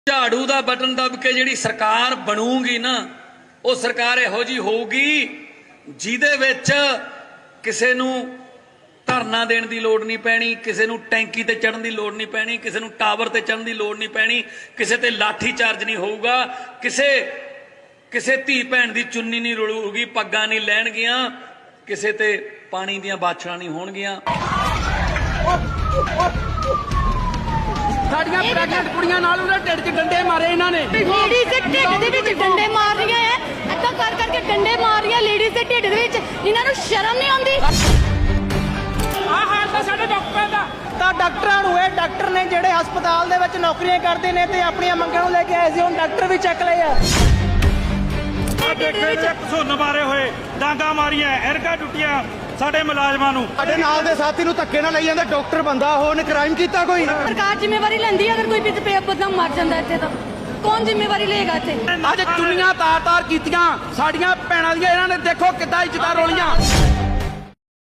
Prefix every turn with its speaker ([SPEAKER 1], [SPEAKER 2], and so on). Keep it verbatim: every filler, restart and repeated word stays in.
[SPEAKER 1] ਝਾੜੂ ਦਾ ਬਟਨ ਦਬ ਕੇ ਜਿਹੜੀ ਸਰਕਾਰ ਬਣੂਗੀ ਨਾ ਉਹ ਸਰਕਾਰ ਇਹੋ ਜੀ ਹੋਊਗੀ ਜਿਹਦੇ ਵਿੱਚ ਕਿਸੇ ਨੂੰ ਧਰਨਾ ਦੇਣ ਦੀ ਲੋੜ ਨਹੀਂ ਪੈਣੀ, ਕਿਸੇ ਨੂੰ ਟੈਂਕੀ ਤੇ ਚੜਨ ਦੀ ਲੋੜ ਨਹੀਂ ਪੈਣੀ, ਕਿਸੇ ਨੂੰ ਟਾਵਰ ਤੇ ਚੜਨ ਦੀ ਲੋੜ ਨਹੀਂ ਪੈਣੀ, ਕਿਸੇ ਤੇ ਲਾਠੀ ਚਾਰਜ ਨਹੀਂ ਹੋਊਗਾ, ਕਿਸੇ ਕਿਸੇ ਧੀ ਭੈਣ ਦੀ ਚੁੰਨੀ ਨਹੀਂ ਰੁਲੂਗੀ, ਪੱਗਾਂ ਨਹੀਂ ਲੈਣਗੀਆਂ, ਕਿਸੇ ਤੇ ਪਾਣੀ ਦੀਆਂ ਬਾਛੜਾਂ ਨਹੀਂ ਹੋਣਗੀਆਂ।
[SPEAKER 2] ਸਾਡੀਆਂ ਪ੍ਰੈਗਨੈਂਟ ਕੁੜੀਆਂ ਨਾਲ ਉਹਨਾਂ ਢਿੱਡ 'ਚ ਡੰਡੇ ਮਾਰੇ ਇਹਨਾਂ ਨੇ।
[SPEAKER 3] ਲੇਡੀਜ਼ ਦੇ ਢਿੱਡ ਦੇ ਵਿੱਚ ਡੰਡੇ ਮਾਰ ਰਹੀਆਂ ਐ, ਏਦਾਂ ਕਰ ਕਰਕੇ ਡੰਡੇ ਮਾਰ ਰਹੀਆਂ ਲੇਡੀਜ਼ ਦੇ ਢਿੱਡ ਦੇ ਵਿੱਚ। ਇਹਨਾਂ ਨੂੰ ਸ਼ਰਮ ਨਹੀਂ ਆਉਂਦੀ।
[SPEAKER 2] ਆਹ ਹਾਲ ਤਾਂ ਸਾਡੇ ਡਾਕਟਰਾਂ ਦਾ। ਤਾਂ ਡਾਕਟਰਾਂ ਨੂੰ ਇਹ ਡਾਕਟਰ ਨੇ ਜਿਹੜੇ ਹਸਪਤਾਲ ਦੇ ਵਿੱਚ ਨੌਕਰੀਆਂ ਕਰਦੇ ਨੇ ਤੇ ਆਪਣੀਆਂ ਮੰਗਾਂ ਨੂੰ ਲੈ ਕੇ ਆਏ ਸੀ, ਹੁਣ ਡਾਕਟਰ ਵੀ ਚੱਕ ਲਏ ਆ।
[SPEAKER 4] ਦੇਖੇ ਘਸੁੰਨ ਮਾਰੇ ਹੋਏ, ਡਾਂਗਾ ਮਾਰੀਆਂ, ਐਰਗਾ ਟੁੱਟੀਆਂ ਸਾਡੇ ਮੁਲਾਜ਼ਮਾਂ ਨੂੰ।
[SPEAKER 5] ਸਾਡੇ ਨਾਲ ਦੇ ਸਾਥੀ ਨੂੰ ਧੱਕੇ ਨਾਲ ਲਈ ਜਾਂਦਾ। ਡਾਕਟਰ ਬੰਦਾ ਉਹ ਉਹਨੇ ਕ੍ਰਾਈਮ ਕੀਤਾ ਕੋਈ?
[SPEAKER 3] ਸਰਕਾਰ ਜ਼ਿੰਮੇਵਾਰੀ ਲੈਂਦੀ ਹੈ। ਅਗਰ ਕੋਈ ਵੀ ਬੰਦਾ ਮਰ ਜਾਂਦਾ ਇੱਥੇ ਤਾਂ ਕੌਣ ਜ਼ਿੰਮੇਵਾਰੀ ਲਏਗਾ ਇੱਥੇ?
[SPEAKER 2] ਅੱਜ ਚੁੰਨੀਆਂ ਤਾਰ-ਤਾਰ ਕੀਤੀਆਂ ਸਾਡੀਆਂ ਭੈਣਾਂ ਦੀਆਂ, ਇਹਨਾਂ ਨੇ ਦੇਖੋ ਕਿੱਦਾਂ ਇੱਜ਼ਤਾਂ ਰੋਲੀਆਂ।